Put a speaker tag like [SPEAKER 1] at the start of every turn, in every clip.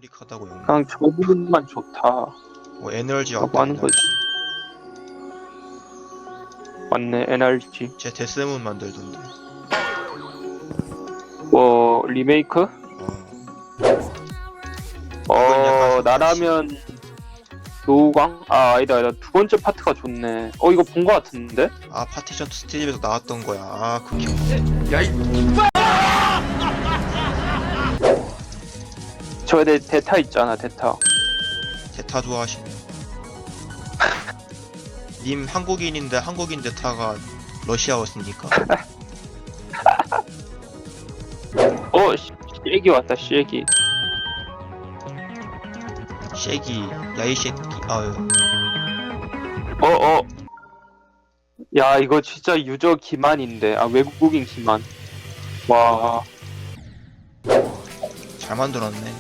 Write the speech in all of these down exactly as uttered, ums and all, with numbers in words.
[SPEAKER 1] 제너릭하다고 용.
[SPEAKER 2] 그냥 저 부분만 좋다.
[SPEAKER 1] 뭐 에너지
[SPEAKER 2] 라고
[SPEAKER 1] 왔다
[SPEAKER 2] 하는
[SPEAKER 1] 에너지.
[SPEAKER 2] 맞네, 엔알지.
[SPEAKER 1] 제 데스문 만들던데.
[SPEAKER 2] 뭐 리메이크?
[SPEAKER 1] 어. 이건 약간
[SPEAKER 2] 어 나라면 노우광? 아 아니다 아니다 두 번째 파트가 좋네. 어 이거 본 거 같은데?
[SPEAKER 1] 아 파티션 투 스티브에서 나왔던 거야. 아 그게. 야이.
[SPEAKER 2] 저에 대해 데타 있잖아 데타.
[SPEAKER 1] 데타 좋아하시네. 님 한국인인데 한국인 데타가 러시아어였으니까.
[SPEAKER 2] 어 씨, 얘기 왔다 씨얘기.
[SPEAKER 1] 쉐기 야이 쉐기. 아유.
[SPEAKER 2] 어어 야 이거 진짜 유저 기만인데. 아 외국인 기만. 와
[SPEAKER 1] 잘 만들었네.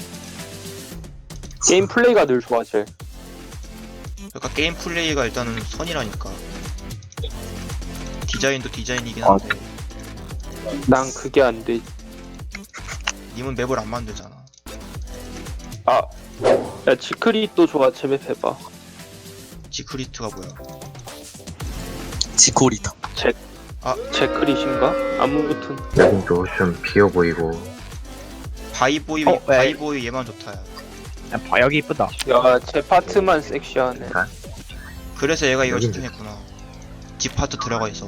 [SPEAKER 2] 게임 플레이가 늘 좋아져.
[SPEAKER 1] 그러니까 게임 플레이가 일단은 선이라니까. 디자인도 디자인이긴
[SPEAKER 2] 아.
[SPEAKER 1] 한데
[SPEAKER 2] 난 그게 안 돼.
[SPEAKER 1] 님은 맵을 안 만들잖아.
[SPEAKER 2] 아, 야 지크릿도 좋아. 제맵 해봐.
[SPEAKER 1] 지크리트가 뭐야?
[SPEAKER 3] 지코리다.
[SPEAKER 2] 제,
[SPEAKER 1] 아.
[SPEAKER 2] 제크릿인가? 아무튼
[SPEAKER 4] 여긴도 좀 비어 보이고.
[SPEAKER 1] 바이보이
[SPEAKER 5] 어, 왜?
[SPEAKER 1] 바이보이 얘만 좋다야.
[SPEAKER 5] 야, 봐, 여기 이쁘다.
[SPEAKER 2] 야 제 파트만 섹시하네.
[SPEAKER 1] 그래서 얘가 이걸
[SPEAKER 4] 여긴-
[SPEAKER 1] 신청했구나. 집 파트 들어가 있어.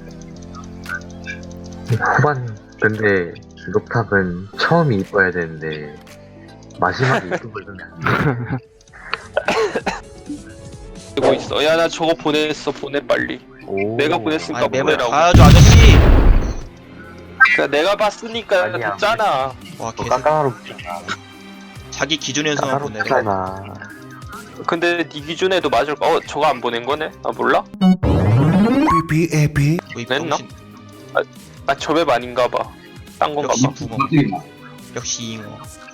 [SPEAKER 4] 후반 근데 녹탑은 처음이 이뻐야 되는데 마지막에 이쁜 걸 주면 안 돼.
[SPEAKER 2] 되고 있어. 야 나 저거 보냈어. 보내 빨리.
[SPEAKER 4] 오.
[SPEAKER 2] 내가 보냈으니까
[SPEAKER 1] 아니 맵을
[SPEAKER 2] 보내라고.
[SPEAKER 1] 봐야죠 아저씨.
[SPEAKER 2] 야, 내가 봤으니까
[SPEAKER 4] 아니야.
[SPEAKER 2] 됐잖아.
[SPEAKER 1] 와
[SPEAKER 4] 너
[SPEAKER 1] 계속
[SPEAKER 4] 까까로잖아.
[SPEAKER 1] 자기 기준에서만 보내래.
[SPEAKER 4] 까다롭잖아.
[SPEAKER 2] 근데 네 기준에도 맞을 거. 어 저거 안 보낸 거네? 아 몰라?
[SPEAKER 1] 뭐
[SPEAKER 2] 냈나?
[SPEAKER 1] 병신.
[SPEAKER 2] 아 저맵 아닌가 봐. 딴 건가
[SPEAKER 1] 역시
[SPEAKER 2] 봐.
[SPEAKER 1] 붕어. 역시 잉어.